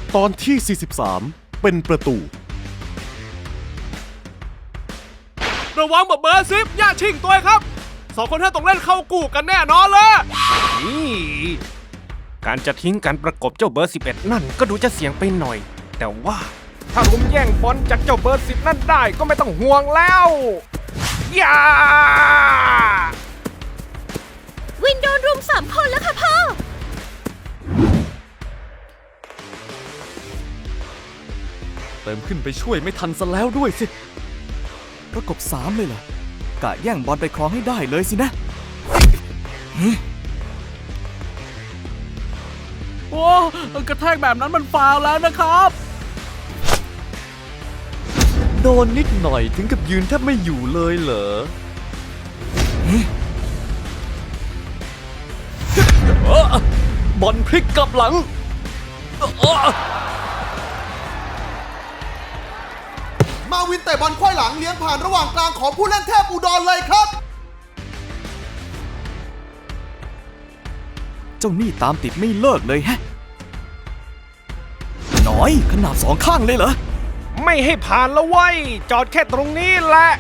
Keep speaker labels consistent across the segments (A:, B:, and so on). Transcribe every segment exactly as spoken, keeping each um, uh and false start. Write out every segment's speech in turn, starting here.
A: ตอนที่ สี่สิบสาม เป็นประตู
B: ระวังแบบเบอร์ซิฟอย่าชิงตัวครับสองคนท่านต้องเล่นเข้ากูกันแน่นอนเลยนี่การจะทิ้งการประกบเจ้าเบอร์สิบเอ็ดนั่นก็ดูจะเสี่ยงไปหน่อยแต่ว่าถ้ารุมแย่งบอลจากเจ้าเบอร์สิบนั่นได้ก็ไม่ต้องห่วงแล้วอย่า
C: วินโดนรุมสามคนแล้วค่ะพ่อ
A: เติมขึ้นไปช่วยไม่ทันซะแล้วด้วยสิประกบสามเลยเหรอ กะแย่งบอลไปครองให้ได้เลยสินะ
D: โอ้กระแทกแบบนั้นมันฟาวล์แล้วนะครับ
A: โดนนิดหน่อยถึงกับยืนแทบไม่อยู่เลยเหรอ บอลพลิกกลับหลัง
E: มาวินแต่บอลคว้ายหลังเลี้ยงผ่านระหว่างกลางของผู้เล่นเทพอุดรเลยครับ
A: เจ้านี่ตามติดไม่เลิกเลยแฮะน้อยขนาดสองข้างเลยเหรอ
B: ไม่ให้ผ่านแล้วเว้ยจอดแค่ตรงนี้แหละ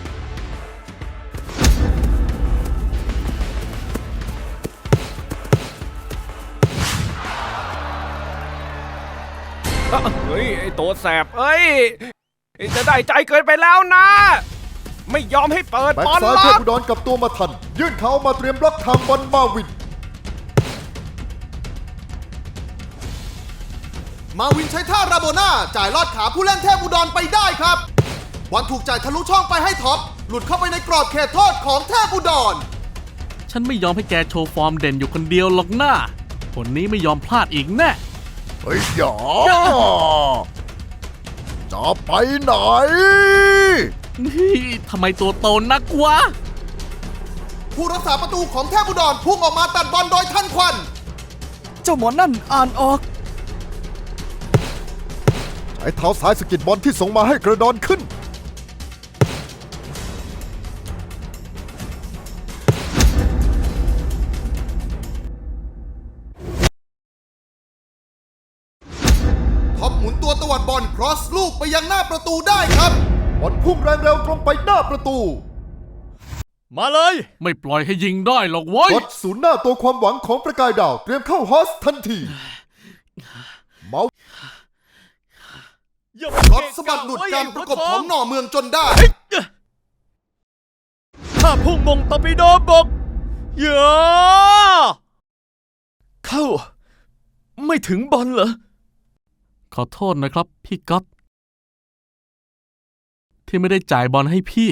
B: เฮ้ยไอตัวแสบเอ้ยจะได้ใจเกินไปแล้วนะไม่ยอมให้เปิด
E: แบ็ค
B: บอล
E: ซ้าย
B: ล็
E: เท
B: อ
E: พ
B: ก
E: อุดรกับตัวมาทันยื่นเขามาเตรียมบล็อกทางบอลมาวินมาวินใช้ท่าราโบน่าจ่ายลอดขาผู้เล่นเทพอุดรไปได้ครับบอลถูกจ่ายทะลุช่องไปให้ท็อปหลุดเข้าไปในกรอบเขตโทษของเทพอุดร
D: ฉันไม่ยอมให้แกโชว์ฟอร์มเด่นอยู่คนเดียวหรอกนะคนนี้ไม่ยอมพลาดอีกแน่
E: เฮ้ยหยอจะไปไหน
D: นี่ทำไมตัวโตนักวะ
E: ผู้รักษาประตูของเทพอุดรพุ่งออกมาตัดบอลโดยทันควัน
A: เจ้าหมอนั่นอ่านออก
E: ใช้เท้าซ้ายสกิดบอลที่ส่งมาให้กระดอนขึ้นท็อปหมุนตัวตวัดบอลครอสลูกไปยังหน้าประตูได้ครับบอลพุ่งแรงเร็วตรงไปหน้าประตู
A: มาเลย
D: ไม่ปล่อยให้ยิงได้หรอกเว้ย
E: รถศูนย์หน้าตัวความหวังของประกายดาวเตรียมเข้าฮอสทันทีเมารถสะบัดหลุดการประกบของหน่อเมืองจนได้
A: ถ้าพุ่งมงตอร์ปิโดบกเยอะเข้าไม่ถึงบอลเหรอ
D: ขอโทษนะครับพี่ก๊อตที่ไม่ได้จ่ายบอลให้พี่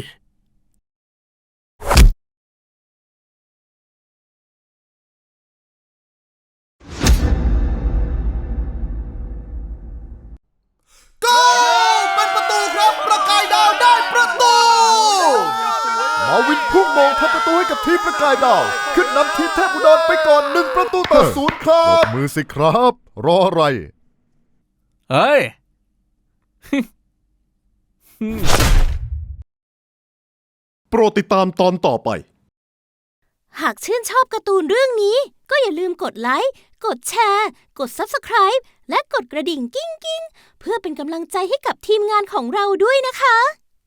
E: โกลเป็นประตูครับประกายดาวได้ประตูมาวินพุ่งมงทำประตูให้กับทีมประกายดาวขึ้นนำทีมเทพอุดรไปก่อนหนึ่งประตูต่อศูนย์ครับมือสิครับรออะไร
D: เฮ้ย
A: โปรดติดตามตอนต่อไป
C: หากชื่นชอบการ์ตูนเรื่องนี้ก็อย่าลืมกดไลค์กดแชร์กด ซับสไครบ์ และกดกระดิ่งกิ้งกิ้งเพื่อเป็นกำลังใจให้กับทีมงานของเราด้วยนะคะ